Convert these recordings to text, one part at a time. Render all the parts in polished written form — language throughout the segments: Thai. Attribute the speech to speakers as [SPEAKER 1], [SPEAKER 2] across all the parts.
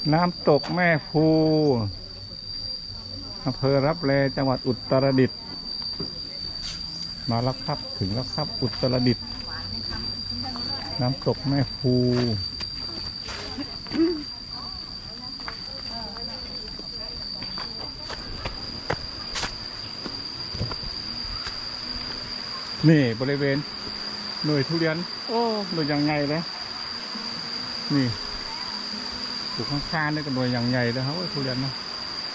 [SPEAKER 1] น้ำตกแม่ภูอำเภอรับแลจังหวัดอุตรดิตถ์มาแล้วครับถึงแล้วครับอุตรดิตถ์น้ำตกแม่ภูนี่บริเวณหน่วยทุเรียนโอ้หน่วยอย่างใหญ่เลยนี่ปลูกข้างๆนี่ก็หน่วยอย่างใหญ่เลยครับทุเรียนเนาะ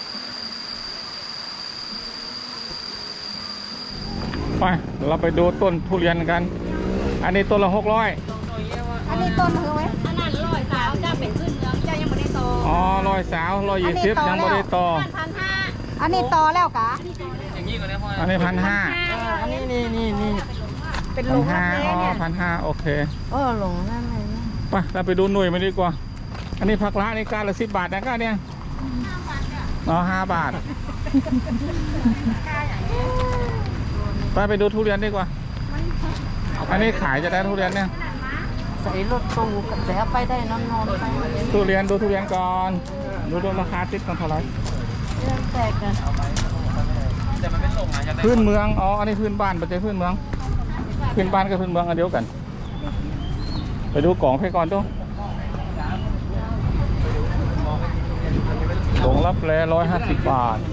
[SPEAKER 1] ไปเราไปดูต้นทุเรียนกันอันนี้ต้นละ600
[SPEAKER 2] อันนี้ต้นคือไหมอันนั้น100 สาวเจ้าเป็นขึ้นเมืองเจ้ายังไม่ได้โต
[SPEAKER 1] อ๋อ100 สาว120ยังไม่ได้โต
[SPEAKER 2] อันนี้โตแล้วกะ
[SPEAKER 1] อันนี้1,500
[SPEAKER 2] อันนี้นี่เป็นหลง
[SPEAKER 1] 1,500อ๋อ1,500โอเค
[SPEAKER 2] หลงนั่นเลย
[SPEAKER 1] ไปเราไปดูหน่วยมาดีกว่าอันนี้ผักละนี่การละ10 บาทนะก้าเนี่ยอ๋อ5 บาทไปดูทุเรียนดีกว่าอันนี้ขายจะได้ทุเรียนเนี่ย
[SPEAKER 2] ใส่รถตู้กันแต่ไปได้นอนไป
[SPEAKER 1] ทุเรียนดูทุเรียนก่อนดูราคาติดกันเท่าไหร่
[SPEAKER 2] เรื่องแตกกัน
[SPEAKER 1] พื้นเมืองอ๋ออันนี้พื้นบ้านปัจจัยพื้นเมืองพื้นบ้านกับพื้นเมืองอันเดียวกันไปดูกล่องไปก่อนดูกล่องรับแล150 บาท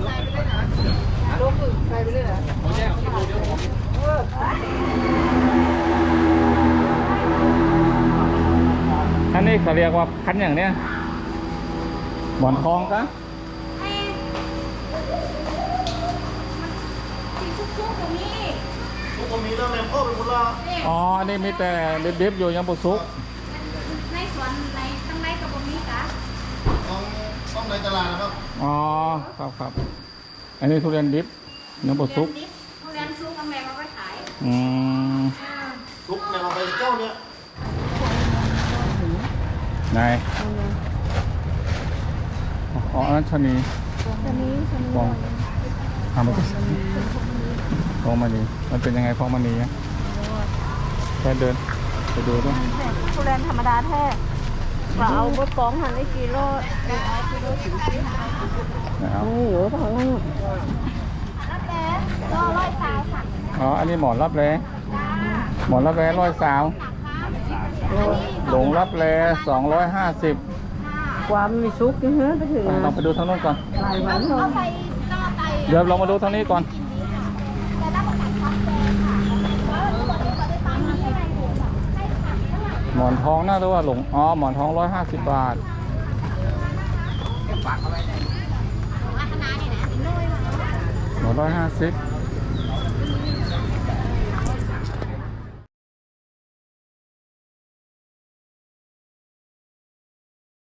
[SPEAKER 1] อันนี้เขาเรียกว่าพันอย่างเนี้ยหมอนทองกะอ๋ออันนี้มีแต่เด็บๆอยู่ยังปุสุก
[SPEAKER 2] ในสวนในข้างในกับตรงนี้กะ
[SPEAKER 3] ต้องในตลาดนะครับ
[SPEAKER 1] อ๋อครับอันนี้ทุเรียนดิบยังปุสุก
[SPEAKER 2] ทุเรียนซุกกับแม่มาไว้ขาย
[SPEAKER 3] ซุกเนี่ยเราไปเจ้าเนี่ย
[SPEAKER 1] ไหนอ๋ออันนั้นชนีฟองทำมาดิฟองมันนี่มันเป็นยังไงฟองมันนี่แค่เดินไปดูด้วย
[SPEAKER 2] ทุเรียนธรรมดาแท้ว่าเอาบดฟองหั่นได้กิโลเอากิโลถึง10
[SPEAKER 1] นะครับ
[SPEAKER 2] โอ้โหของนั่นรับแล้100 สาวค่ะ
[SPEAKER 1] อ๋ออันนี้หมอนรับแลหมอนรับแล100 สาวหลงรับแล250
[SPEAKER 2] ความมีซุกนะฮะไปถึง
[SPEAKER 1] เราไปดูทางโน้นก่อน
[SPEAKER 2] หลายวันเลย
[SPEAKER 1] เดี๋ยวเรามาดูทางนี้ก่อนหมอนทองน่าจะว่าหลงอ๋อหมอนทอง150 บาทหมอน150